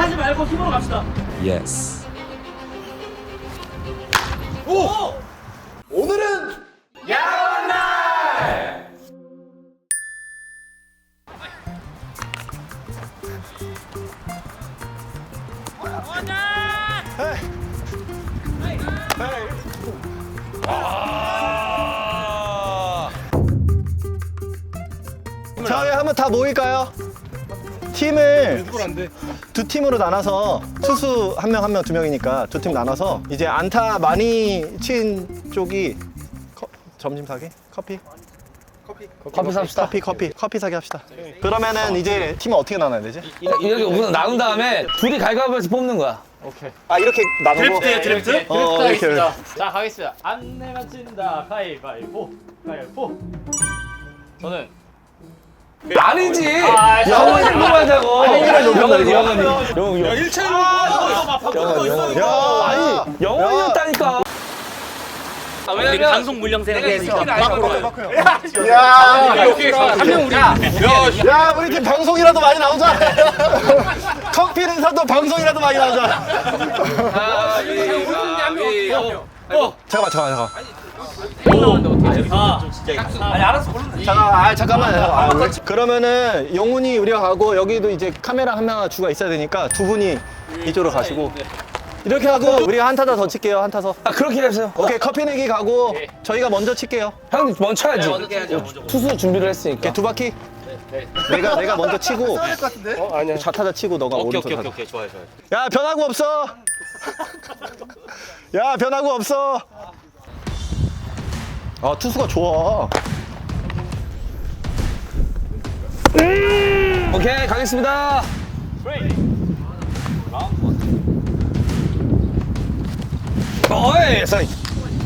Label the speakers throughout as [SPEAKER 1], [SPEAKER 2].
[SPEAKER 1] 하지 말고 힘으로 갑시다.
[SPEAKER 2] 예스.
[SPEAKER 1] 오!
[SPEAKER 3] 오늘은
[SPEAKER 1] 야간 날!
[SPEAKER 3] 자, 우리 한번 다 모일까요? 팀을 두 팀으로 나눠서 투수 한 명 한 명 두 명이니까 두 팀 나눠서 이제 안타 많이 친 쪽이 점심 사기? 커피 삽시다. 커피 사기 합시다. 그러면은 이제 팀은 어떻게 나눠야 되지?
[SPEAKER 4] 이렇게 우선 나눈 다음에 둘이 갈가위에서 뽑는 거야.
[SPEAKER 3] 아, 이렇게 나누고
[SPEAKER 1] 드래프트?
[SPEAKER 3] 이렇게.
[SPEAKER 1] 자, 가겠습니다. 안 내면 진다. 가위바위보. 가위바위보. 저는
[SPEAKER 4] 아니지.
[SPEAKER 1] 아,
[SPEAKER 4] 영원히 뽑아자고. 영원히.
[SPEAKER 3] 야, 아니,
[SPEAKER 4] 영원이었다니까.
[SPEAKER 1] 우리 방송 물량세는
[SPEAKER 3] 야, 우리 팀 방송이라도 많이 나오자. 커피는 사도 방송이라도 많이 나오자. 잠깐만.
[SPEAKER 1] 아니 알았어 고른다.
[SPEAKER 3] 잠깐만. 그러면은 용훈이 우리가 가고 여기도 이제 카메라 한 명 주가 있어야 되니까 두 분이 이쪽으로 가시고 이렇게 하고 우리가 한 타자 더 칠게요. 한 타서.
[SPEAKER 4] 아 그렇게 하세요.
[SPEAKER 3] 오케이, 커피 내기 가고 저희가 먼저 칠게요.
[SPEAKER 4] 형 먼저 쳐야지. 투수 준비를 했으니까.
[SPEAKER 3] 오케이, 두 바퀴. 내가 먼저 치고. 아니야. 좌타자 치고 너가 오른쪽 타자.
[SPEAKER 1] 오케이 좋아요.
[SPEAKER 3] 야, 변화구 없어. 야, 변화구 없어. 아, 투수가 좋아.
[SPEAKER 4] 오케이 가겠습니다. 어이 사이.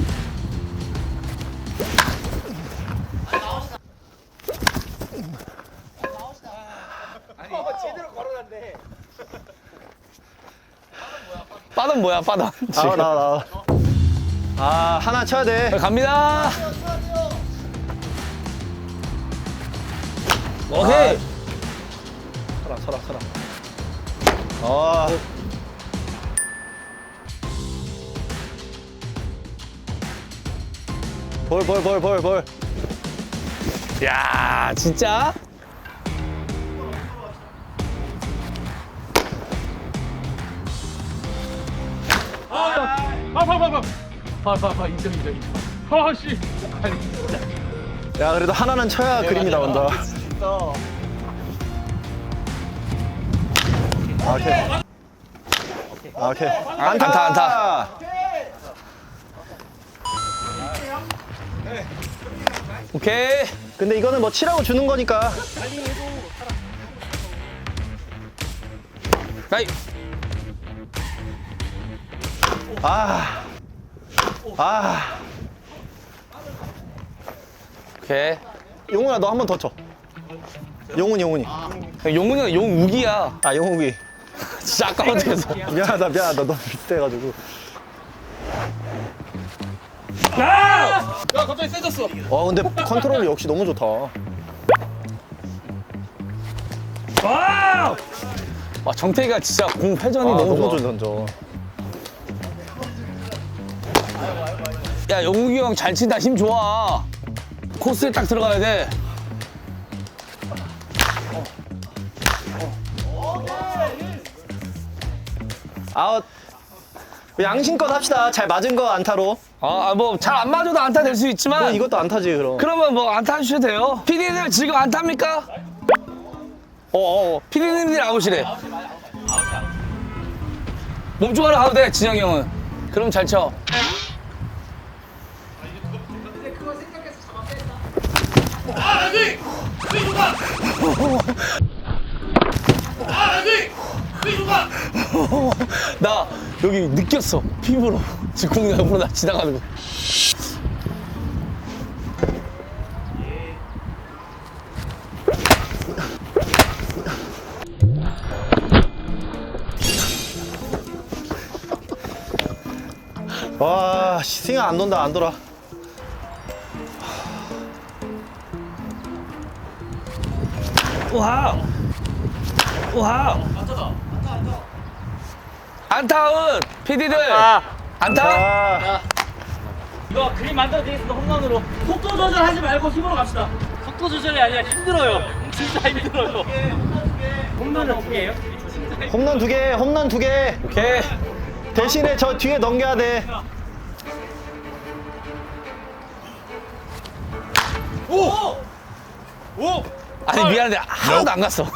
[SPEAKER 4] 빠던 뭐야 빠던.
[SPEAKER 3] 나와. 아, 하나 쳐야 돼.
[SPEAKER 4] 갑니다. 오케이.
[SPEAKER 3] 서라. 아. 볼.
[SPEAKER 4] 야 진짜.
[SPEAKER 1] 인정. 아씨.
[SPEAKER 3] 야, 그래도 하나는 쳐야 그림이 나온다. 오케이.
[SPEAKER 4] 안타. 오케이.
[SPEAKER 3] 근데 이거는 뭐 치라고 주는 거니까.
[SPEAKER 4] 나이.
[SPEAKER 3] 아.
[SPEAKER 4] 오케이.
[SPEAKER 3] 용훈아, 너 한 번 더 쳐. 용훈이.
[SPEAKER 4] 용훈이가 용우기야.
[SPEAKER 3] 아, 용욱이.
[SPEAKER 4] 진짜 아까워서.
[SPEAKER 3] 미안하다. 너 비슷해가지고.
[SPEAKER 1] 야 갑자기 세졌어.
[SPEAKER 3] 와, 근데 컨트롤 역시 너무 좋다.
[SPEAKER 4] 와 정태기가 진짜 공 회전이 너무 좋아.
[SPEAKER 3] 좋아, 던져.
[SPEAKER 4] 야 용욱이 형 잘 친다. 힘 좋아. 코스에 딱 들어가야 돼.
[SPEAKER 3] 아웃. 양심껏 합시다. 잘 맞은 거 안타로.
[SPEAKER 4] 뭐 잘 안 맞아도 안타 될 수 있지만
[SPEAKER 3] 그럼 이것도 안타지, 그럼.
[SPEAKER 4] 그러면 뭐 안타 해주셔도 돼요. PD들 지금 안타입니까? PD님들이 아웃이래. 몸쪽으로 가도 돼 진영이 형은. 그럼 잘 쳐. 나 여기 느꼈어 피부로. 지금 공이 옆으로 나 지나가는 거.
[SPEAKER 3] 와, 스윙 안 돈다, 안 돌아.
[SPEAKER 4] 와우. 와우. 안타운 PD들. 안타.
[SPEAKER 3] 자,
[SPEAKER 1] 이거 그림 만들어드리겠습니다. 홈런으로. 속도 조절하지 말고 힘으로 갑시다. 속도 조절이 아니라 힘들어요. 진짜 힘들어요. 홈런은 어떻게 해요?
[SPEAKER 3] 홈런 2개, 홈런 2개.
[SPEAKER 4] 오케이.
[SPEAKER 3] 대신에 저 뒤에 넘겨야 돼.
[SPEAKER 4] 아니 미안한데 하나도 안 갔어.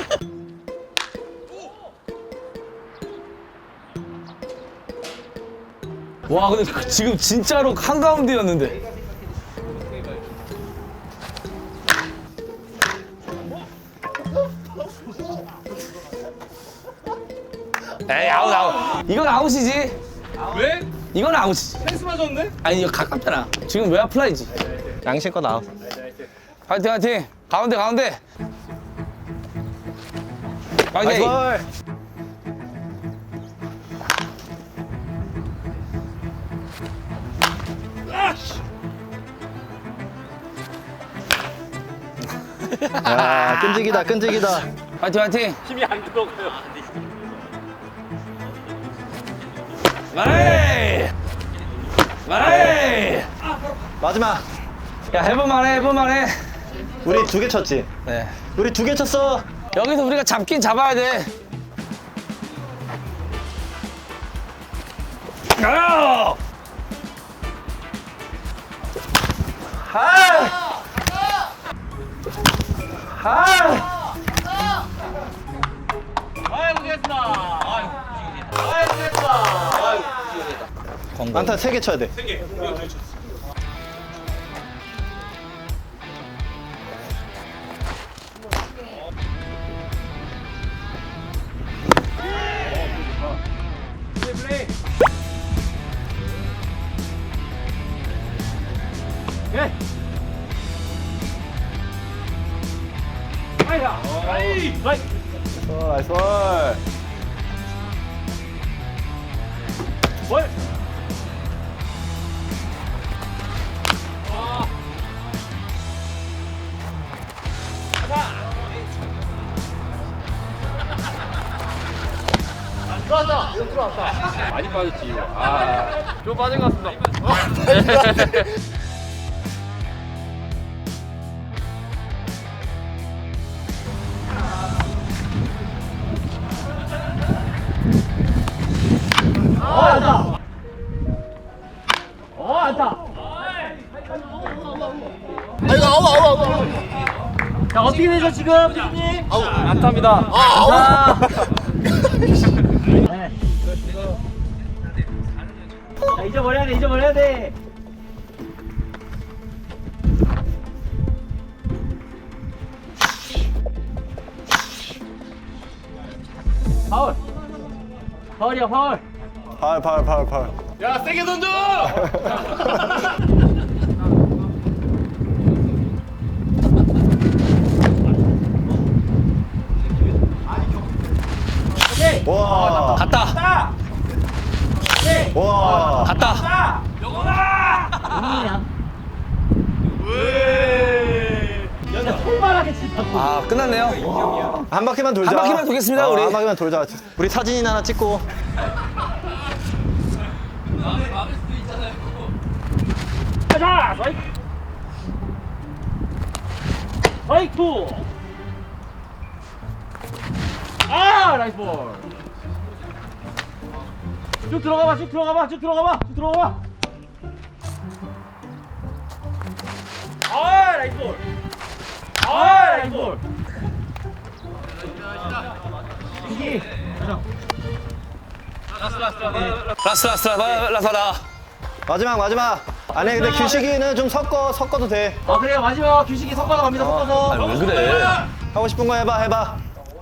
[SPEAKER 4] 와 근데 지금 진짜로 한가운데였는데. 에이 아웃. 이건 아웃이지.
[SPEAKER 1] 왜?
[SPEAKER 4] 이건 아웃이지.
[SPEAKER 1] 펜스 맞았는데?
[SPEAKER 4] 아니 이거 가깝잖아. 지금 왜 플라이지?
[SPEAKER 3] 양심껏 나와.
[SPEAKER 4] 파이팅 파이팅. 가운데 가운데.
[SPEAKER 3] 나이스
[SPEAKER 4] 파이팅.
[SPEAKER 3] 볼. 야, 끈질기다, 끈질기다.
[SPEAKER 4] 파이팅 파이팅.
[SPEAKER 1] 힘이 안 들어가요.
[SPEAKER 4] 마레이. 마레이.
[SPEAKER 3] 마지막.
[SPEAKER 4] 야 해볼만해 해볼만해.
[SPEAKER 3] 우리 2개 쳤지?
[SPEAKER 4] 네.
[SPEAKER 3] 우리 2개 쳤어.
[SPEAKER 4] 여기서 우리가 잡긴 잡아야 돼. 아!
[SPEAKER 1] 아이고, 됐다. 아이고, 됐다.
[SPEAKER 3] 안타 3개 쳐야 돼. 나이스 볼.
[SPEAKER 1] 많이 빠졌지, 이거. 좀 빠진 것 같습니다. 자, 어떻게 되죠, 지금? 피디님? 안타입니다. 안타. 자, 잊어버려야 돼, 잊어버려야 돼. 파울. 파울이야, 파울.
[SPEAKER 3] 파울.
[SPEAKER 1] 야, 세게 던져!
[SPEAKER 3] 와.
[SPEAKER 4] 갔다.
[SPEAKER 3] 와.
[SPEAKER 4] 갔다.
[SPEAKER 1] 야, 손바닥에 진짜.
[SPEAKER 4] 아 끝났네요.
[SPEAKER 3] 한 바퀴만 돌자.
[SPEAKER 4] 한 바퀴만 돌겠습니다, 우리.
[SPEAKER 3] 한 바퀴만 돌자. 우리 사진이나 하나 찍고.
[SPEAKER 1] 가자! 스트라이크! 스트라이크! 나이스 볼. 쭉 들어가봐, 쭉 들어가봐, 쭉 들어가봐, 쭉 들어가봐. 나이스 볼. 나이스 볼. 이기.
[SPEAKER 4] 라스라.
[SPEAKER 3] 마지막. 아니 근데 규식이는 좀 섞어도 돼.
[SPEAKER 1] 그래요. 마지막 규식이 섞어서 갑니다, 섞어서.
[SPEAKER 4] 아니 왜 그래?
[SPEAKER 3] 하고 싶은 거 해봐.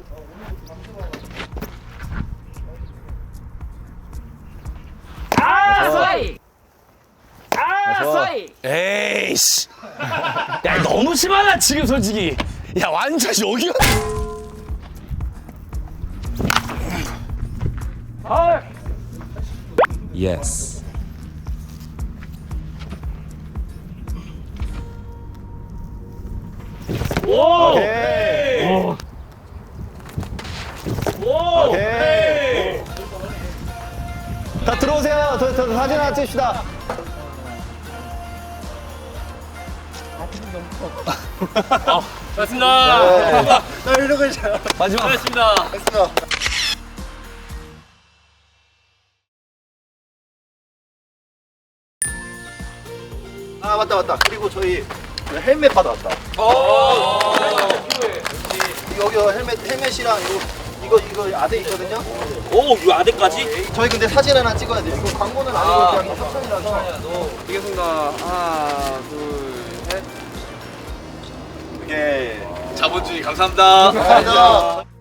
[SPEAKER 1] 스트라이크! 스트라이크!
[SPEAKER 4] 에이씨. 야 너무 심하다 지금 솔직히. 야 완전 여기가.
[SPEAKER 1] 파울!
[SPEAKER 2] Yes.
[SPEAKER 1] 오!
[SPEAKER 3] 오케이.
[SPEAKER 1] 오!
[SPEAKER 3] 오케이. 다 들어오세요. 저 사진 하나 찍읍시다.
[SPEAKER 1] 고맙습니다.
[SPEAKER 2] 나 이러고 있잖아.
[SPEAKER 4] 마지막.
[SPEAKER 1] 고맙습니다.
[SPEAKER 2] 됐어. 아 맞다. 그리고 저희 헬멧 받아왔다. 여기 헬멧이랑 이거 아대 있거든요.
[SPEAKER 1] 오, 이 아대까지?
[SPEAKER 2] 저희 근데 사진 하나 찍어야 돼요. 이거 광고는 아니고 그냥 협찬이라서.
[SPEAKER 5] 알겠습니다. 하나, 둘, 셋.
[SPEAKER 2] 이게
[SPEAKER 5] 자본주의 감사합니다.
[SPEAKER 2] 감사합니다.